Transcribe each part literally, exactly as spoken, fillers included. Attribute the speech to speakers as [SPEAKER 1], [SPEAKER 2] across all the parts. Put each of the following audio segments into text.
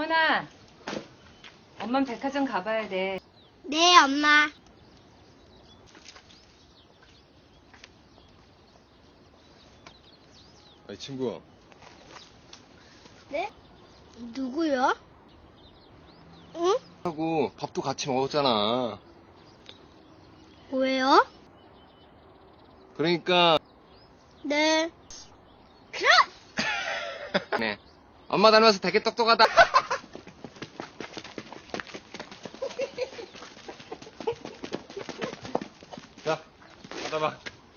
[SPEAKER 1] 정원아, 엄만 백화점 가봐야 돼.
[SPEAKER 2] 네, 엄마.
[SPEAKER 3] 아이 친구,
[SPEAKER 2] 네? 누구요? 응?
[SPEAKER 3] 하고 밥도 같이 먹었잖아.
[SPEAKER 2] 왜요?
[SPEAKER 3] 그러니까
[SPEAKER 2] 네. 그럼!
[SPEAKER 3] 네, 엄마 닮아서 되게 똑똑하다. 자, 받아봐.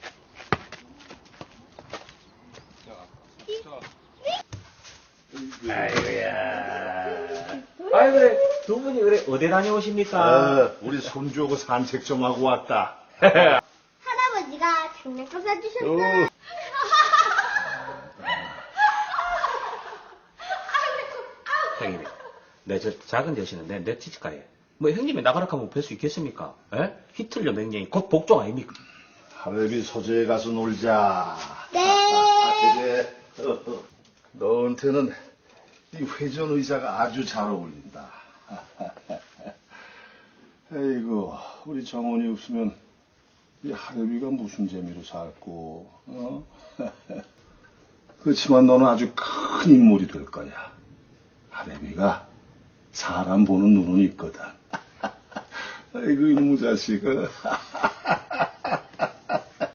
[SPEAKER 4] 아이고야. 아이 그래 두 분이 그래 어디 다녀오십니까?
[SPEAKER 5] 어, 우리 손주하고 산책 좀 하고 왔다.
[SPEAKER 2] 할아버지가 장난감 사주셨어.
[SPEAKER 5] 어.
[SPEAKER 4] 형님이 내 저 작은 대신에 내 티치카에 뭐 형님이 나가라 하면 뵐 수 있겠습니까? 에? 히틀러 맹령이 곧 복종 아닙니까?
[SPEAKER 5] 할애비 소재에 가서 놀자.
[SPEAKER 2] 네.
[SPEAKER 5] 아, 그래. 어, 어. 너한테는 이 회전 의자가 아주 잘 어울린다. 에이구, 우리 정원이 없으면 이 할애비가 무슨 재미로 살고, 어? 그렇지만 너는 아주 큰 인물이 될 거야. 할애비가 사람 보는 눈은 있거든. 아이고, 이놈의 자식.